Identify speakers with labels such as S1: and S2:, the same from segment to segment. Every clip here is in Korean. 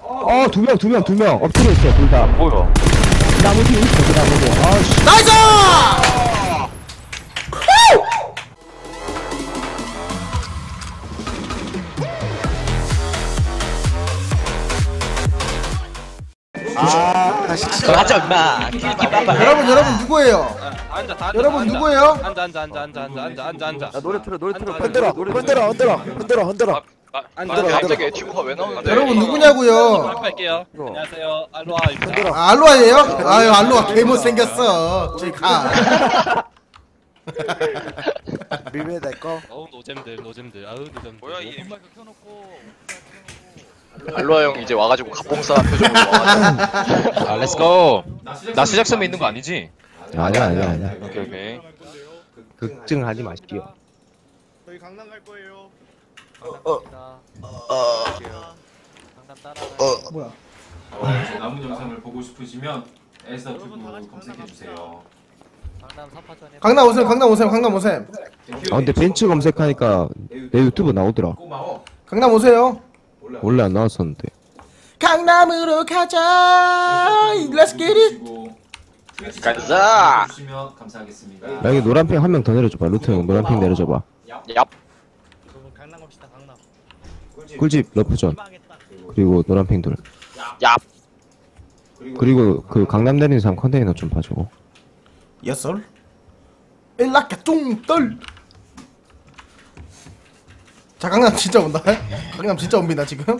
S1: 두 명 엎드려 있어 둘 다.
S2: 뭐야?
S1: 나무 뒤에 있어 그 나무 뒤에. 아씨.
S3: 나이스!
S2: 맞아 임마.
S3: 여러분 누구예요?
S4: 앉아.
S3: 여러분 누구예요?
S4: 앉아.
S2: 노래 틀어.
S1: 흔들어.
S2: 갑자기 튜브가 왜 나오는데?
S3: 여러분 누구냐고요?
S4: 할게요. 안녕하세요. 알로하
S3: 아, 알로아예요? 아유 알로아 개못 생겼어. 저기 가.
S1: 밀면 될 거.
S4: 어우 노잼들. 아우 노잼들.
S2: 뭐야 이 알로하 형 이제 와가지고 갑봉사 표정으로 와가지고.
S5: 렛츠고. 나 시작점에 있는 거 아니지?
S1: 아니야.
S5: 오케이.
S1: 걱정하지 마십시오.
S6: 저희 강남 갈 거예요.
S3: 뭐야?
S7: 남은 영상을 보고 싶으시면 에스더튜브 검색해주세요.
S3: 강남 오셈.
S1: 근데 벤츠 검색하니까 내 유튜브 나오더라.
S7: 고마워.
S3: 강남 오세요.
S1: 원래 안 나왔었는데.
S3: 강남으로 가자. Let's get it.
S2: 가자.
S7: 주시면 감사하겠습니다.
S1: 야, 여기 노란핑 한 명 더 내려줘봐. 루트 형 노란핑 내려줘봐.
S2: 얍.
S6: 강남 갑시다. 강남.
S1: 꿀집 러프존. 그리고 노란핑 둘.
S2: 얍.
S1: 그리고 그 강남 내리는 사람 컨테이너 좀 봐주고.
S3: 예썰. 일라카 뚱떨. 자 강남 진짜 온다. 강남 진짜 옵니다 지금.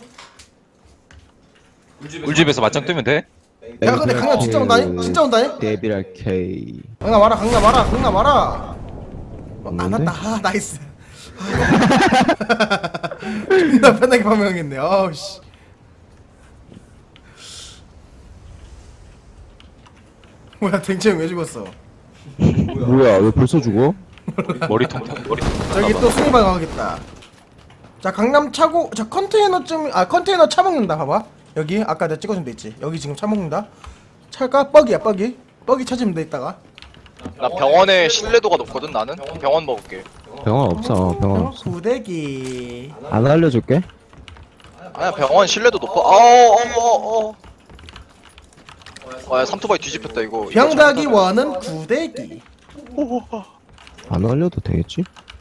S5: 울집에서 맞짱 뜨면 돼?
S3: 야 근데 강남 진짜 온다니? 진짜 온다니?
S1: 데빌 K.
S3: 강남 와라. 안
S1: 없는데?
S3: 왔다. 아 나이스. 존나 편하게 파밍했네. 아우 씨. 뭐야 댕채형 왜 죽었어?
S1: 뭐야 왜 벌써 죽어?
S5: 머리통.
S3: 저기 또 순위방 가겠다. 자 강남 차고 자 컨테이너 차 먹는다. 봐봐 여기 아까 내가 찍어준 데 있지. 여기 지금 차 먹는다. 차가 뻑이야 뻑이 찾으면 돼. 있다가
S2: 나 병원의 신뢰도가 높거든 나는. 병원 먹을게.
S1: 병원 없어.
S3: 구대기.
S1: 안 알려줄게.
S2: 아니야 병원 신뢰도 높아. 어어어어. 아 삼토바이 뒤집혔다 이거.
S3: 병닭이 원은 구대기.
S1: 안 알려도 되겠지?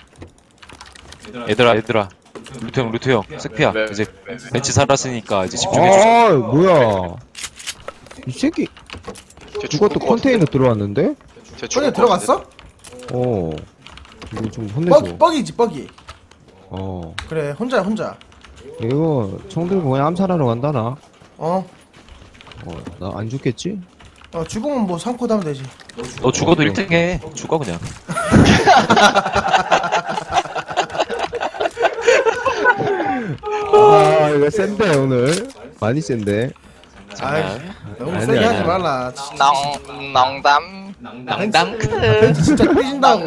S5: 얘들아. 루트 형. 색피야.
S2: 네.
S5: 이제 벤치 살았으니까 이제 집중해주자.
S1: 아 뭐야? 이 새끼.
S2: 쟤
S1: 이것도
S2: 죽을 것
S1: 컨테이너
S2: 같은데?
S1: 들어왔는데?
S2: 쟤 죽을
S3: 손에
S2: 것
S3: 들어갔어?
S1: 이거 좀 혼내줘.
S3: 뻑이지 뻑이. 그래 혼자야.
S1: 이거 총 들고 그냥 암살하러 간다 나. 나 안 죽겠지?
S3: 죽으면 뭐 상코 하면 되지.
S5: 너 죽어도 1등해. 죽어 그냥.
S1: 아 이거 센데 오늘 많이 센데.
S3: 아이 너무
S1: 아니야,
S3: 세게 하지
S1: 아니야.
S3: 말라.
S2: 낭담.
S5: 낭당.
S3: 벤치 진짜 삐진다고.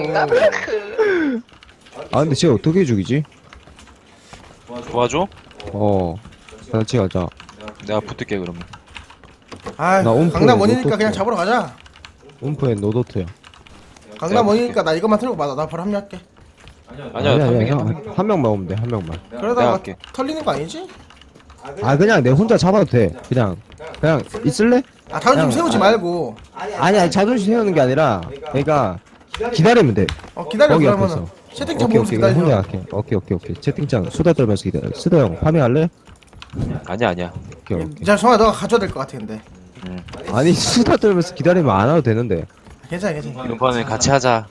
S1: 아 근데 쟤 어떻게 죽이지?
S5: 도와줘?
S1: 같이 가자.
S5: 내가 붙을게 그러면.
S3: 아
S1: 나 옴프
S3: 강남 원이니까
S1: 노토트.
S3: 그냥 잡으러 가자.
S1: 움프엔 노도트야.
S3: 강남 원이니까 나 이것만 틀고 받아. 나 바로 합류할게.
S5: 아니야.
S1: 한 명만 오면 돼. 한 명만.
S5: 내가
S3: 그러다가
S5: 할게.
S3: 털리는 거 아니지?
S1: 그냥 내 혼자 잡아도 돼. 그냥 있을래?
S3: 자존심
S1: 그냥,
S3: 세우지 말고.
S1: 아니 자존심 세우는 게 아니라 그러니까 기다리면 돼.
S3: 기다려.
S1: 거기
S3: 그러면은
S1: 앞에서.
S3: 채팅창
S1: 오케이
S3: 보면서
S1: 그냥 혼자
S3: 기다려.
S1: 할게. 오케이. 채팅창 수다 떨면서 기다려. 수다 형 파밍할래?
S5: 아니야.
S1: 오케이.
S3: 자 성아 너가 가져야 될 것 같아 근데.
S1: 아니 수다 떨면서 기다리면 안 와도 되는데.
S3: 괜찮아.
S5: 이번엔 같이 하자.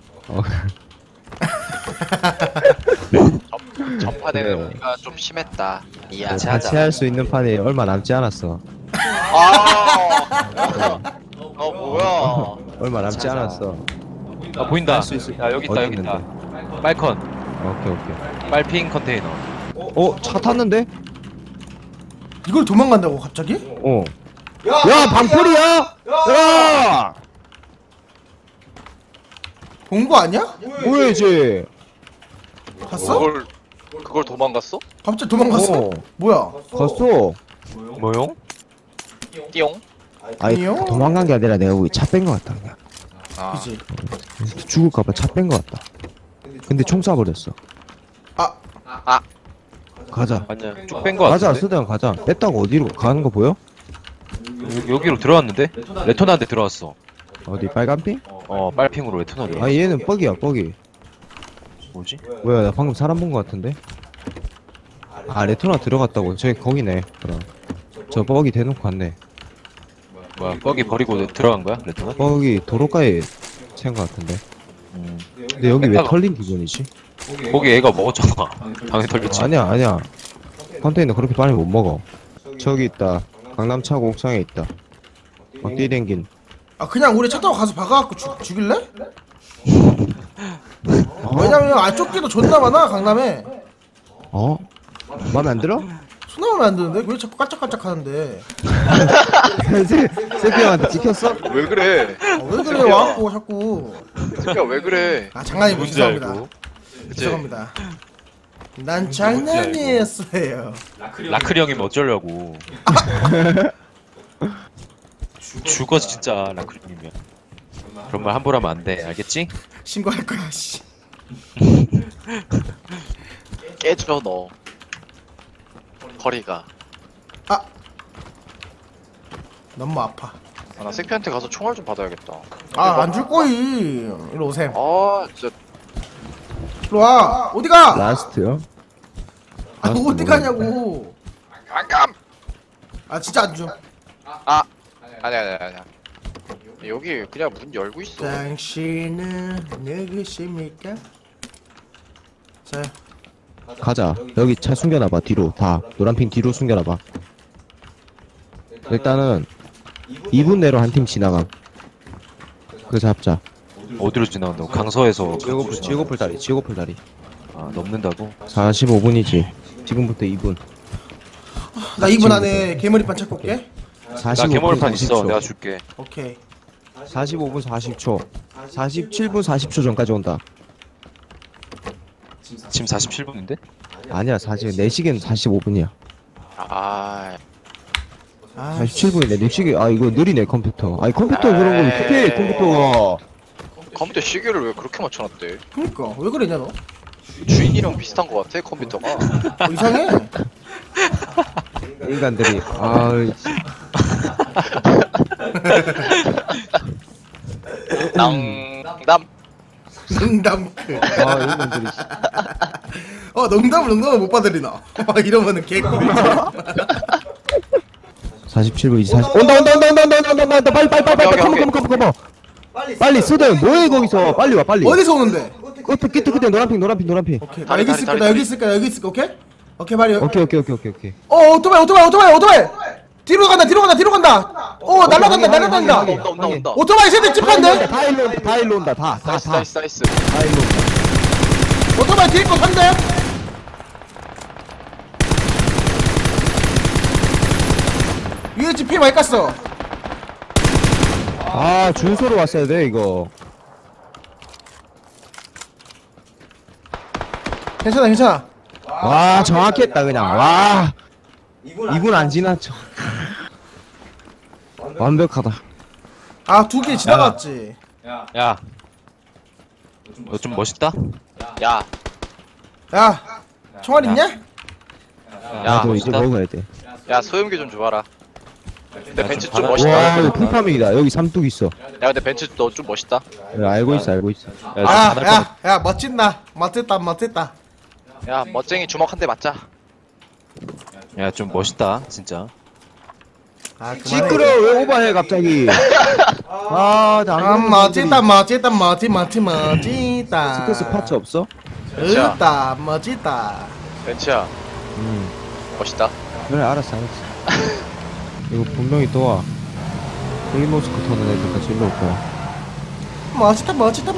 S2: 전파되는
S1: 그래.
S2: 우리가 좀 심했다.
S5: 같이
S1: 같이 할 수 있는 판이 얼마 남지 않았어.
S2: 뭐야?
S1: 얼마 남지 않았어.
S5: 보인다.
S1: 할수 있을-
S5: 야 여기
S1: 어디
S5: 있다. 빨컨.
S1: 오케이.
S5: 빨핑 컨테이너.
S1: 차 탔는데?
S3: 이걸 도망간다고 갑자기?
S1: 야 방풀이야! 야!
S3: 본 거 아니야?
S1: 뭐야지?
S3: 갔어?
S2: 그걸 도망갔어?
S3: 갑자기 도망갔어? 뭐야?
S1: 갔어.
S5: 뭐용?
S2: 띠용?
S1: 아니
S3: 아니요.
S1: 도망간 게 아니라 내가 우리 차 뺀 거 같다 그냥.
S3: 그지.
S1: 죽을까봐 차 뺀 거 같다. 근데 총 쏴버렸어. 가자.
S5: 아니야 쭉 뺀 거
S1: 가자,
S5: 같은데?
S1: 수대형 가자. 뺐다고 어디로 가는 거 보여?
S5: 여기로 들어왔는데? 레토나한테 들어왔어.
S1: 어디 빨간 핑?
S5: 빨핑으로 레토나 들어왔어.
S1: 아 얘는 뻑이야 뻑이.
S5: 뭐지?
S1: 뭐야 나 방금 사람 본 거 같은데? 아 레토나 들어갔다고. 저기 거기네. 그럼 저 뻑이 대놓고 갔네.
S5: 뭐야 뻑이 버리고 들어간 거야? 레토나?
S1: 뻑이 도로가에 채운 거 같은데. 근데 여기 왜
S5: 뺐다가.
S1: 털린 기분이지?
S5: 거기 애가 먹었잖아. 당연히 털렸지.
S1: 아니야. 컨테이너 그렇게 빨리 못 먹어. 저기 있다. 강남 차고 옥상에 있다. 막 뛰댕긴.
S3: 아 그냥 우리 차 타고 가서 박아갖고 죽일래? 왜냐면 쫓기도 존나 많아 강남에.
S1: 어? 마음에 안 들어?
S3: 수나오면 안 되는데 왜 자꾸 깔짝깔짝 하는데?
S1: 세피 형한테 찍혔어?
S2: 왜 그래?
S3: 왜 그래 와갖고 자꾸.
S2: 새끼야 왜 그래?
S3: 아 장난이고
S5: 뭔지
S3: 죄송합니다.
S5: 알고.
S3: 죄송합니다. 난 장난이었어요.
S5: 라클이 형이면 어쩌려고. 죽어 진짜 라클이 형이면. 그런 말 함부로 하면 안 돼. 알겠지?
S3: 신고할 거야 씨.
S2: 깨져 너. 허리가.
S3: 너무 아파.
S2: 아, 나 새끼한테 가서 총알 좀 받아야겠다.
S3: 아 안 줄 거이. 일로 오셈.
S2: 아 진짜
S3: 일로 와. 어디가?
S1: 라스트요?
S3: 아
S1: 라스트
S3: 어디 가냐고.
S2: 안감.
S3: 아 진짜 안 줘.
S2: 아니야. 여기 그냥 문 열고 있어.
S3: 당신은 누구십니까? 자,
S1: 가자. 여기 차 숨겨놔봐. 뒤로 다 노란핑 뒤로 숨겨놔봐. 일단은 2분 내로 한 팀 지나감. 그거 잡자.
S5: 어디로 지나간다고? 강서에서
S1: 지오고풀 다리.
S5: 아 넘는다고?
S1: 45분이지. 지금부터 2분.
S3: 나 2분 안에 개머리판 찾고 올게.
S5: 나
S1: 45분
S5: 개몰판 있어.
S1: 40초.
S5: 내가 줄게.
S3: 오케이.
S1: 45분 40초. 47분 40초 전까지 온다.
S5: 지금 47분인데?
S1: 아니야, 사실 내 시계는 45분이야.
S2: 아
S1: 47분이네. 내 시계. 아 이거 느리네 컴퓨터. 아니 컴퓨터 그런 거 어떻게 컴퓨터가.
S2: 컴퓨터 시계를 왜 그렇게 맞춰놨대?
S3: 그니까 왜 그러냐 너?
S2: 주인이랑 비슷한 거 같아 컴퓨터가.
S3: 이상해.
S1: 인간들이. 아.
S2: 낭담.
S3: 농담크.
S1: 아 인간들이.
S3: 농담을 못 받으리나. 이러면은 개꿀이지.
S1: 47분 40. 온다. 빨리 컴온. 빨리 쓰대. 뭐해 거기서. 빨리 와 빨리.
S3: 어디서 오는데?
S1: 끝에 노란핑.
S3: 오케이. 나 여기 있을게. 나 여기 있을게. 오케이? 오케이 말이야.
S1: 오케이.
S3: 오토바이. 뒤로 간다. 날라간다.
S2: 온다.
S3: 오토바이 세대 찝한데?
S1: 다 일로 온다. 다
S2: 나이스.
S1: 일로 온다.
S3: 오토바이 뒤에 거 산대? 위에 집 피 많이 깠어.
S1: 아 준소로 왔어야 돼 이거.
S3: 괜찮아.
S1: 와 정확했다 그냥. 와 2분 안 지났죠. 완벽하다.
S3: 아, 2개 지나갔지.
S5: 야, 너 좀 멋있다?
S2: 야.
S3: 야, 총알 있냐?
S5: 야,
S1: 나도 이제
S5: 멋있다?
S1: 먹어야 돼.
S2: 야 소염기 좀 줘봐라. 근데
S5: 야,
S2: 벤츠
S5: 좀
S2: 좀
S5: 받아.
S2: 멋있다.
S1: 와 이거 풀파밍이다. 여기 삼뚝 있어.
S2: 야 근데 벤츠 너 좀 멋있다.
S1: 알고 있어.
S5: 야, 좀 받을 거
S3: 야, 멋진다. 멋졌다.
S2: 야 멋쟁이 주먹 한 대 맞자.
S5: 야, 좀 멋있다, 진짜.
S3: 아, 그만해.
S1: 시끄러. 왜 오버해 갑자기. 아나
S3: 멋지다.
S1: 스크스 파츠 없어?
S3: 멋지다.
S2: 벤츠야 멋있다.
S1: 그래 알았어. 이거 분명히 또 와. 헬리모스크 터는 애들까지 일로 올 거야.
S3: 멋지다.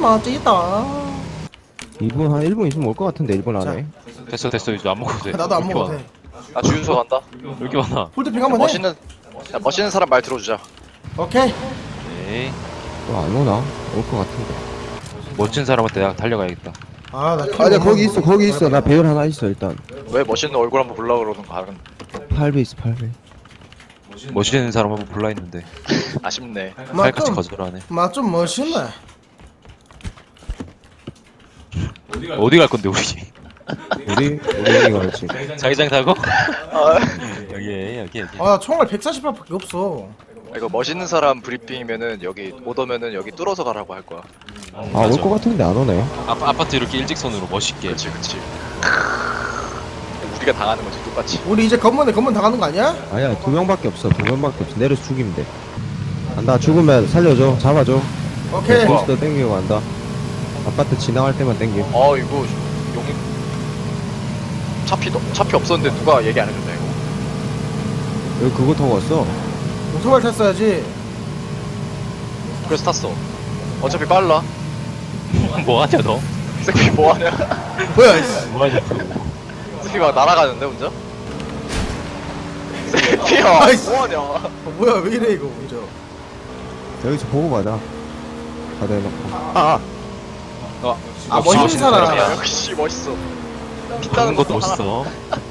S1: 2분 한 1분 있으면 올 것 같은데 1분 안에.
S5: 됐어, 이제 안 먹어도 돼.
S3: 나도 안
S5: 왜 이렇게
S3: 먹어도
S5: 많아?
S3: 돼.
S2: 나 주유소 간다.
S5: 왜 이렇게 많아?
S3: 홀드핑 한번 해.
S2: 멋있는 사람 말 들어주자.
S3: 오케이.
S5: 에이,
S1: 또 안 오나? 올 것 같은데.
S5: 멋진 사람한테 내가 달려가야겠다.
S3: 나
S1: 아니야 거기 있어. 나 배열 하나 있어 일단.
S2: 왜 멋있는 얼굴 한번 보려고 그러는 거 알은.
S1: 8배 있어 8배.
S5: 멋있는 사람 한번 불러 있는데
S2: 아쉽네.
S5: 칼같이 거절하네.
S3: 좀 멋있네.
S5: 어디 갈 건데 우리?
S1: 우리 이거 그렇지.
S5: 자기장 타고?
S2: 아,
S5: 여기.
S3: 아 총알 148밖에 없어.
S2: 이거 멋있는 사람 브리핑이면은 여기 못 오면은 여기 뚫어서 가라고 할 거야.
S1: 올 것 같은데 안 오네.
S5: 아파트 이렇게 일직선으로 멋있게.
S2: 그렇지. 우리가 당하는 거지 똑같이.
S3: 우리 이제 건문 당하는 거 아니야?
S1: 아니야, 2명밖에 없어. 2명밖에 없어. 내려서 죽이면 돼. 간다. 죽으면 살려줘. 잡아줘.
S3: 오케이.
S1: 보스터 땡기고 간다. 아파트 지나갈 때만 땡겨.
S2: 이거 용이 차피 없었는데 누가 얘기 안 해줬냐 이거.
S1: 여기 그거 타고 왔어.
S3: 오토바이 탔어야지.
S2: 그래서 탔어. 어차피 빨라.
S5: 뭐하냐 너?
S2: 새끼 뭐하냐?
S3: 뭐야 이씨.
S5: 뭐하냐?
S2: 새끼 막 날아가는데 혼자? 새끼야
S3: 아이씨.
S2: 뭐하냐?
S3: 뭐야 왜 이래 이거 먼저.
S1: 여기서 보고 가자. 다 대놓고.
S3: 아 멋있는 사람.
S2: 야, 역시 멋있어.
S5: 타는 것도 멋있어.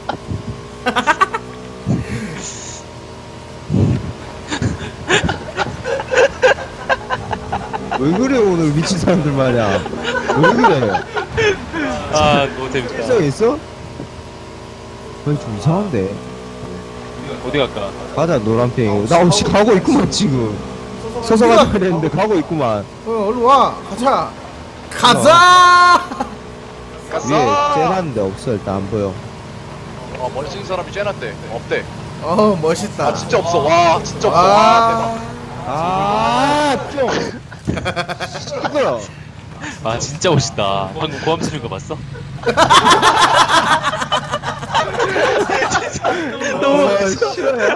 S1: 왜 그래 오늘 미친 사람들 말이야. 왜 그래?
S5: 너무 재밌다.
S1: 필성 있어? 거의 좀 이상한데.
S5: 어디 갈까?
S1: 가자 노란핑. 나 혹시 가고 있구만 지금. 서서 가자 그랬는데 가고 있구만.
S3: 얼른 와 가자. 가자.
S1: 위에 쟤놨는데 없어. 일단 안 보여.
S2: 멋있는 사람이 쬐놨대. 없대.
S3: 멋있다.
S2: 아 진짜 없어. 와 진짜 없어. 와 대박.
S1: 시끄러.
S5: 진짜 멋있다. 방금 고함 치는 거 봤어?
S1: 너무 싫어요.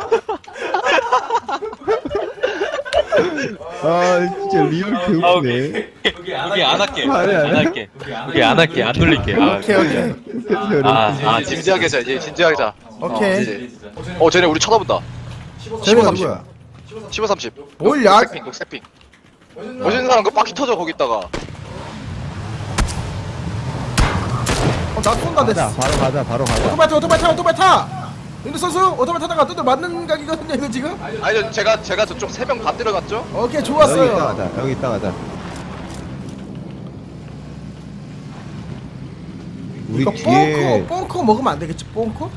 S1: 진짜 리얼 개웃네.
S5: 여기 안 할게.
S1: 아니야, 아니야.
S5: 여기 안 할게. 안 돌릴게.
S3: 오케이.
S2: 진지하게 자. 이제 진지하게 자.
S3: 오케이.
S2: 이제. 쟤네 우리 쳐다본다.
S3: 쟤네가
S2: 30.
S3: 누구야?
S2: 15, 30.
S3: 뭘 야?
S2: 녹색핑. 멋있는 사람 그 바퀴 터져 거기다가.
S3: 나 쏜다
S1: 가자.
S3: 됐어.
S1: 바로 가자.
S3: 오토바이 타. 윤두 선수 오토바이 타다가 뚜들 맞는 각이거든요 이거 지금.
S2: 아니 제가 저쪽 3명 다 때려갔죠?
S3: 오케이
S1: 여기
S3: 좋았어요.
S1: 있다 가자. 여기 있다 가자. 우리
S3: 이거
S1: 뒤에
S3: 뽕코 먹으면 안 되겠지 뽕코?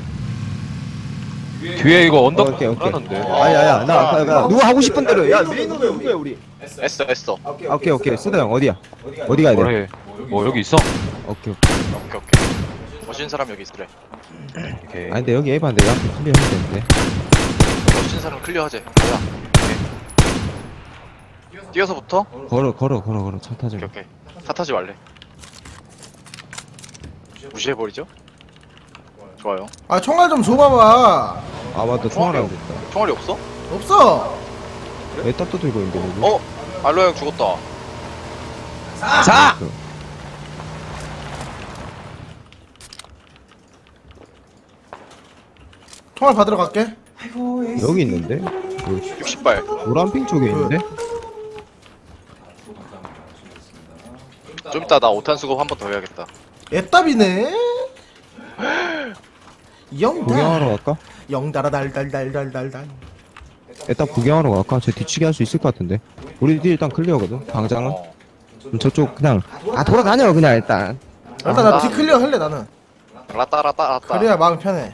S5: 뒤에 이거 언덕
S1: 오케이.
S5: 불안한데.
S1: 아야야 나 누가 하고 싶은 대로 해. 야 메인으로 누구야 우리?
S2: 했어.
S1: 오케이 쓰다 형 어디야? 어디 가야 돼?
S5: 뭐라 해? 여기 있어?
S1: 오케이.
S2: 오케이. 멋있는 사람 여기 있으래.
S5: 오케이.
S1: 아니 근데 여기 에반데 야 클리어 해야 되는데.
S2: 멋있는 사람 클리어하재. 가자. 오케이. 뛰어서부터?
S1: 걸어 차 타지.
S2: 오케이. 차 타지 말래. 무시해버리죠? 좋아요.
S3: 아 총알 좀 줘봐봐.
S1: 아 맞다 총알 안 됐다.
S2: 총알이 없어?
S3: 없어.
S1: 왜 딱도 들고 있는데 여기?
S2: 알로 형 죽었다.
S1: 자!
S3: 총알 받으러 갈게.
S1: 여기 있는데?
S2: 60발.
S1: 노란핑 쪽에 있는데?
S2: 좀 이따 나 5탄 수급 한 번 더 해야겠다.
S3: 애답이네.
S1: 구경하러 갈까?
S3: 영달아 달달달달달달.
S1: 일단 구경하러 갈까? 저 뒤치기 할 수 있을 것 같은데. 우리 뒤 일단 클리어거든. 당장은. 그럼 저쪽 그냥 돌아다녀 그냥 일단.
S3: 일단 나 디클리어 할래 나는.
S2: 라따.
S3: 그래야 마음 편해.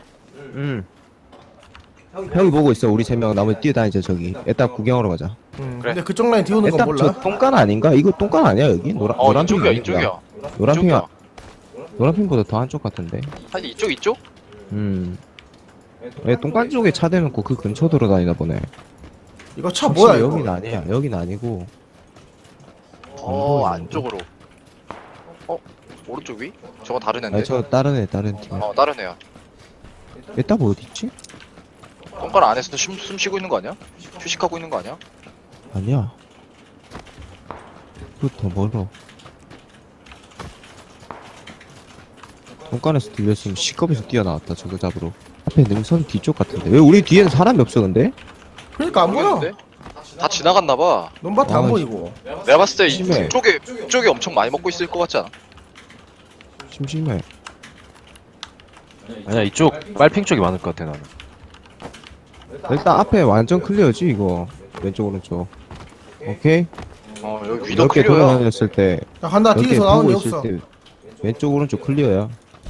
S1: 형이 보고 있어. 우리 3명 나머지 뛰어다니자 저기. 일단 구경하러 가자.
S2: 그래.
S3: 근데 그쪽 라인 뒤오는 건
S1: 일단
S3: 몰라.
S1: 저 똥간 아닌가? 이거 똥간 아니야 여기? 노란핑
S2: 이쪽이야.
S1: 아닌가? 노란핑이 노란핑보다 더 한쪽 같은데.
S2: 사실 이쪽?
S1: 왜 똥간 쪽에 차 대놓고 그 근처 돌아다니나 보네.
S3: 이거 차 뭐야 이거?
S1: 여긴 아니야. 여긴 아니고.
S2: 안쪽으로. 오른쪽 위? 저거 다른 앤데?
S1: 아니 저 다른 팀.
S2: 다른 애야.
S1: 일단 뭐 어디 있지?
S2: 똥갈 안에서도 숨 쉬고 있는 거 아니야? 휴식하고 있는 거 아니야?
S1: 아니야. 그더 멀어. 똥간에서 들렸으면 시겁에서 뛰어나왔다 저거 잡으러. 앞에 능선 뒤쪽 같은데 왜 우리 뒤에는 사람이 없어 근데?
S3: 그러니까 안 보여.
S2: 모르겠는데? 다 지나갔나봐.
S3: 논밭 안
S1: 아,
S3: 보이고.
S2: 내가 봤을 때
S1: 심해.
S2: 이쪽에 엄청 많이 먹고 있을 것 같지 않아?
S1: 심심해.
S5: 아니야 이쪽 빨핑 쪽이 많을 것 같아 나는.
S1: 일단 앞에 완전 클리어지 이거. 왼쪽 오른쪽. 오케이.
S2: 여기 위도
S1: 이렇게
S2: 클리어야.
S1: 돌아다녔을 때
S3: 야 간다
S1: 이렇게
S3: 뒤에서 나오는 애
S1: 보고 있을
S3: 없어.
S1: 때 왼쪽 오른쪽 클리어야.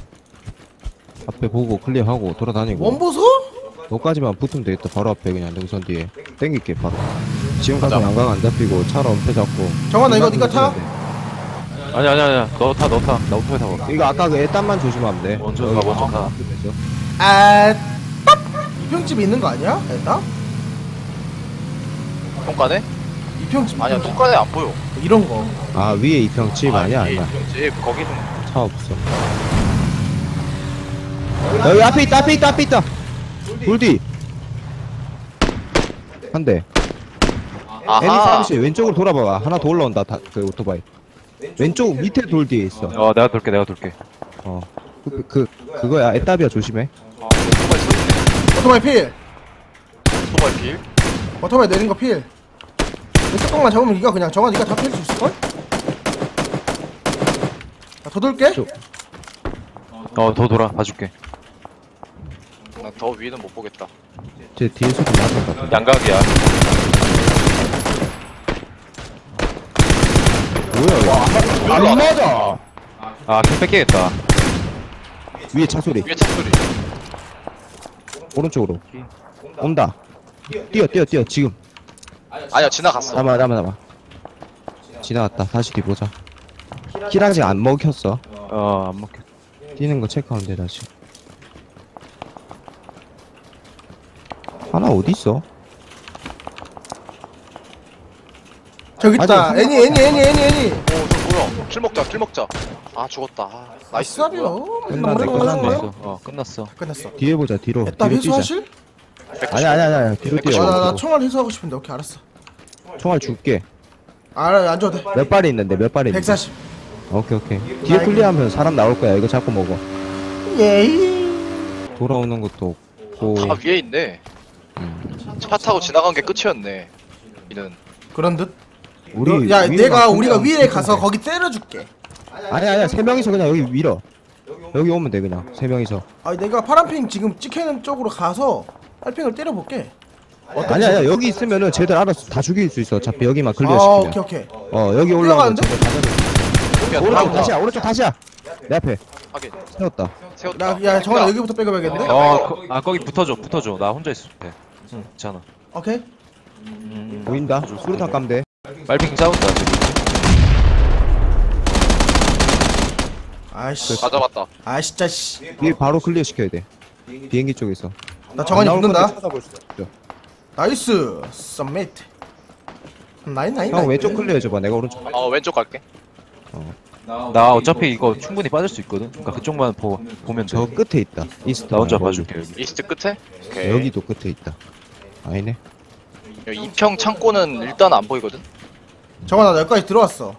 S1: 앞에 보고 클리어하고 돌아다니고.
S3: 원보소?
S1: 너까지만 붙으면 되겠다. 바로 앞에 그냥 능선 뒤에 땡길게 바로. 지금 가서 양각 안 잡히고 차로 엄폐 잡고.
S3: 정환아 이거 니가 타?
S5: 아니야 너 타 나 오토바이 타고
S1: 이거 아까 그 애딴만 조심하면 돼.
S5: 먼저 가 먼저 가
S3: 아, 딱! 이평집에 있는 거 아니야? 일단?
S2: 통과네?
S3: 이평집.
S2: 아니야
S3: 이평집.
S2: 통과네 안 보여.
S3: 이런 거.
S1: 아 위에 이평집 아니야
S2: 예,
S1: 아니야.
S2: 집 거기는
S1: 차 없어. 여기 앞에 있다. 돌디. 한 대.
S2: 아하.
S1: 애니30 왼쪽으로 돌아봐. 하나 더 올라온다. 그 오토바이. 왼쪽 밑에 돌 뒤에 있어.
S5: 내가 돌게
S1: 어. 그거야. 애따비야 조심해.
S2: 오토바이 쏘네.
S3: 오토바이 필.
S2: 오토바이 빌.
S3: 오토바이 내린 거 필. 왼쪽 방만 잡으면 이거 그냥 정환 니가 다 팰 수 있을걸? 더 돌게.
S5: 더 돌아 봐줄게
S2: 나 더 위는 못 보겠다.
S1: 제 뒤에서 좀 맞은 것 같아.
S5: 양각이야
S1: 뭐야 이거. 안 맞아.
S5: 아캠 뺏기겠다
S1: 위에 차 소리.
S2: 위에 차 소리.
S1: 오른쪽으로. 온다. 뛰어 지금.
S2: 아니야 지나갔어.
S1: 남아. 지나갔다. 다시 뒤 보자. 킬 아직 안 먹혔어.
S5: 안 먹혀
S1: 뛰는 거 체크하면 돼 다시. 하나 어디 있어?
S3: 저기 있다.
S1: 아니,
S3: 애니.
S2: 오저 뭐야? 킬 먹자. 아 죽었다. 아, 나이스.
S3: 아싸비요.
S5: 끝났어
S3: 끝났어.
S1: 뒤에 보자 뒤로.
S3: 애따
S1: 뒤로 뛰자.
S3: 회수하실?
S1: 아니야 뒤로 뛰어.
S3: 나 총알 회수하고 싶은데 오케이 알았어.
S1: 총알 줄게.
S3: 안 줘도 돼.
S1: 몇 발이 있는데
S3: 140.
S1: 오케이 뒤에 클리어하면 사람 나올 거야. 이거 잡고 먹어.
S3: 예이.
S1: 돌아오는 것도 없고.
S2: 다 위에 있네. 차 타고 지나간 게 끝이었네. 이는
S3: 그런 듯.
S1: 우리
S3: 야
S1: 위에만
S3: 내가
S1: 클리어
S3: 우리가
S1: 하면
S3: 위에
S1: 되는데.
S3: 가서 거기 때려줄게.
S1: 아니야 세 명이서 그냥 여기 밀어. 여기 오면 돼 그냥 세 명이서.
S3: 아 내가 파란핑 지금 찍히는 쪽으로 가서 빨핑을 때려볼게.
S1: 아니야 여기 있으면은 쟤들 알아서 다 죽일 수 있어. 어차피 여기만 클리어
S3: 아
S1: 시키면.
S3: 오케이.
S1: 여기 올라가면
S3: 뛰어가는데?
S1: 쟤들 다 잡을. 오른쪽 다시야. 내 앞에
S2: 하긴
S1: 세웠다.
S2: 세웠다.
S3: 야 정환아 여기부터 빼고봐야겠는데?
S5: 거기 붙어줘 나 혼자 있을 때 괜찮아
S3: 오케이.
S1: 보인다. 수류탄 까면 돼.
S5: 말핑 싸운다 저기
S3: 아이씨.
S2: 다 잡았다.
S3: 아 진짜 씨.
S1: 뒤에 바로 클리어 시켜야 돼. 비행기 쪽에서.
S3: 나 정환이
S1: 안 나올
S3: 붙는다.
S1: 건데 찾아볼 수 있어.
S3: 나이스. 썸메이트. 나인.
S1: 형 왼쪽 클리어 해줘봐. 내가 오른쪽.
S2: 왼쪽 갈게.
S5: 나 어차피 이거 충분히 빠질 수 있거든 그러니까 그쪽만 보면
S1: 저
S5: 돼
S1: 끝에 있다. 이스트.
S5: 나 혼자
S1: 멀리.
S5: 봐줄게 여기
S2: 이스트 끝에. 오케이.
S1: 여기도 끝에 있다. 아니네.
S2: 여기 이평 창고는 일단 안 보이거든.
S3: 정환아 나 여기까지 들어왔어.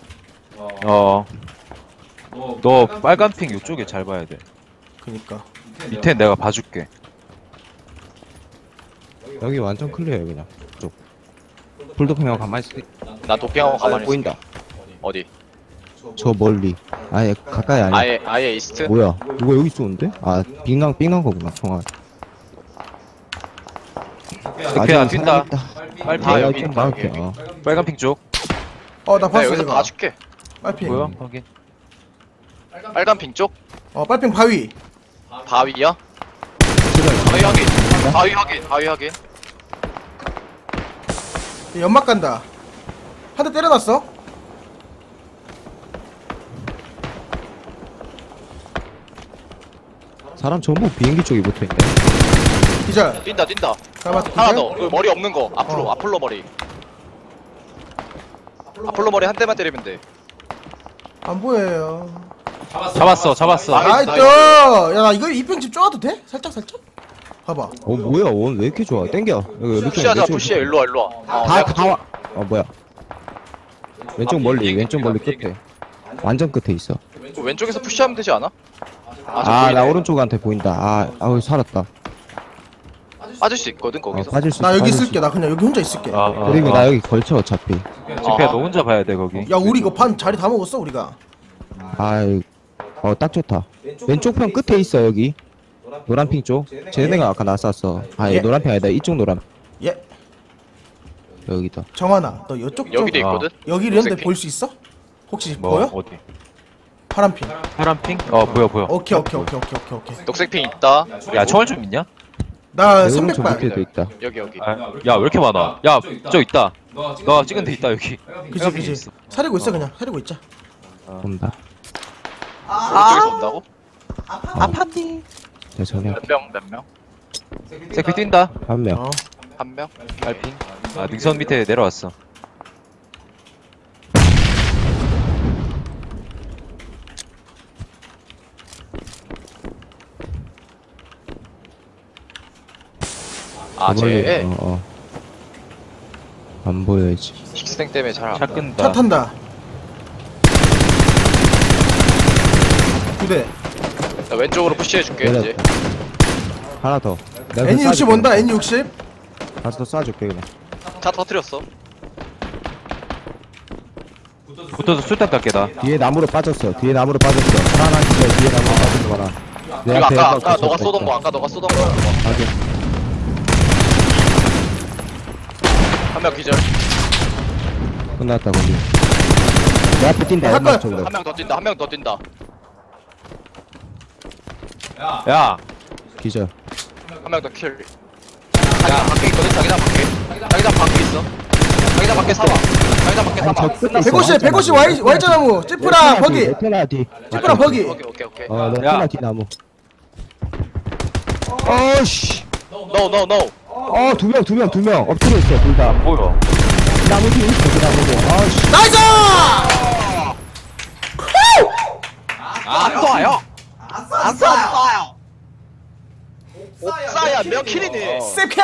S5: 너 빨간 핑 이쪽에 잘 봐야 돼
S3: 그니까.
S5: 밑에 내가 봐줄게
S1: 여기 완전 클리어야 그냥. 쪽. 불도평 형 가만히 있어.
S2: 나 도핑하고 가만히 있어.
S1: 보인다.
S2: 어디?
S1: 저 멀리. 아예 가까이 아니야.
S2: 아예 이스트.
S1: 뭐야? 누가 여기 쏘는데? 아 빙난 거구나 총알.
S5: 그냥 뛴다
S2: 다
S1: 내가
S2: 여기
S1: 좀
S2: 있다,
S1: 막을게.
S2: 여기.
S5: 빨간 핑 쪽
S3: 나
S2: 나
S3: 봤어
S2: 여기서
S3: 이거.
S2: 봐줄게.
S3: 빨핑.
S5: 뭐야 확인
S2: 빨간 핑 쪽.
S3: 빨핑 바위.
S2: 바위야? 바위 확인.
S3: 연막 간다. 한 대 때려놨어.
S1: 사람 전부 비행기 쪽에 붙어있네.
S3: 기절.
S2: 뛴다.
S3: 잡았어.
S2: 하나
S3: 기절.
S2: 더. 그 머리 없는 거. 앞으로. 아폴로 머리. 아폴로 머리 한 대만 때리면 돼.
S3: 안 보여요.
S5: 잡았어
S3: 나이스. 야 이거 이평집 쪼아도 돼? 살짝. 봐봐.
S1: 뭐야? 원 왜 이렇게 좋아? 땡겨. 여기
S2: 푸시하자. 푸시해. 일로 와.
S1: 다 와. 뭐야? 왼쪽 멀리. 왼쪽 멀리 끝에. 완전 끝에 있어.
S2: 그 왼쪽에서 푸시하면 되지 않아?
S1: 나 오른쪽한테 보인다. 아우 살았다.
S2: 빠질 수 있거든 거기서.
S1: 빠질 수
S3: 나
S1: 있어,
S3: 여기
S1: 빠질 수
S3: 있을게. 나 그냥 여기 혼자 있을게.
S1: 그리고 나 여기 걸쳐 어차피.
S5: 지피야 너 혼자 봐야 돼 거기
S3: 야 우리 이거 반 자리 다 먹었어 우리가.
S1: 딱 좋다. 왼쪽 편 끝에 있어 여기. 노란핑 쪽. 쟤네가 아까 나 쐈어.
S3: 예.
S1: 노란핑 아니다. 이쪽 노란.
S3: 예.
S1: 여기다.
S3: 정환아 너 이쪽 쪽
S2: 여기도 있거든.
S3: 여기 이런데
S2: 녹색
S3: 볼 수 있어? 혹시
S5: 뭐
S3: 보여?
S5: 어디
S3: 파란핑.
S5: 파란핑? 어 보여 보여.
S3: 오케이.
S2: 녹색 핑 있다.
S5: 야 총알 좀 있냐?
S3: 나
S1: 내 오른쪽
S3: 300발.
S1: 밑에도 있다.
S2: 여기 여기.
S5: 야 왜 이렇게 많아? 야 저 있다. 너 찍은 데 있다 여기.
S3: 그지. 사리고 있어 그냥. 사리고 있자.
S1: 본다.
S2: 오른쪽에서 온다고?
S5: 아팠니?
S1: 대전에
S2: 몇 명?
S5: 색피 뛴다.
S1: 한 명.
S3: 어.
S2: 한 명?
S5: 달핑. 아 능선 밑에 내려왔어.
S2: 아 쟤.
S1: 안 보여야지.
S2: 식생 때문에 잘안
S5: 차
S2: 보여.
S5: 끈다.
S3: 차 탄다. 2대.
S2: 나 왼쪽으로 푸시해줄게
S1: 내려.
S2: 이제.
S1: 하나 더. 내가
S3: N60 온다. N60.
S1: 가서 더 쏴줄게 그냥.
S2: 차 터뜨렸어.
S5: 붙어서 술탄 깎게 다.
S1: 뒤에 나무로 빠졌어. 뒤에 나무로 빠졌어. 하나 기절. 뒤에 나무로 빠진 거라. 내
S2: 이거
S1: 앞에
S2: 아까
S1: 있다.
S2: 너가 쏘던 거 아까 너가 쏘던 거.
S1: 확인.
S2: 한 명 기절.
S1: 끝났다 거기. 내 앞에 뛴다.
S3: 잠깐.
S1: 연막 쪽으로.
S2: 한 명 더 뛴다. 한 명 더 뛴다.
S5: 야
S1: 기절.
S2: 한 명 더 킬. 자기장 밖에 있거든. 자기장 밖에. 자기장 밖에 있어. 자기장 밖에 사망. 자기장 밖에 사망.
S1: 끝났어.
S3: 150 Y자 나무. 찌푸랑 버기.
S1: 레테나 뒤.
S3: 찌푸랑 버기.
S2: 오케이.
S1: 어 레테나 뒤 나무. 어씨.
S2: No.
S1: 두 명 엎드려 있어 둘 다.
S5: 뭐야?
S1: 나무 뒤에 있어 그 나무고. 아씨.
S3: 나이스!
S2: 안 쏴요. 안 쏴요. 옥사야 몇 킬이니?
S3: 세캡!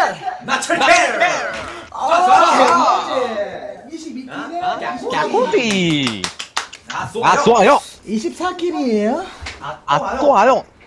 S5: 야구비. 아 쏘아요.
S3: 24킬이에요?
S5: 아 쏘아요.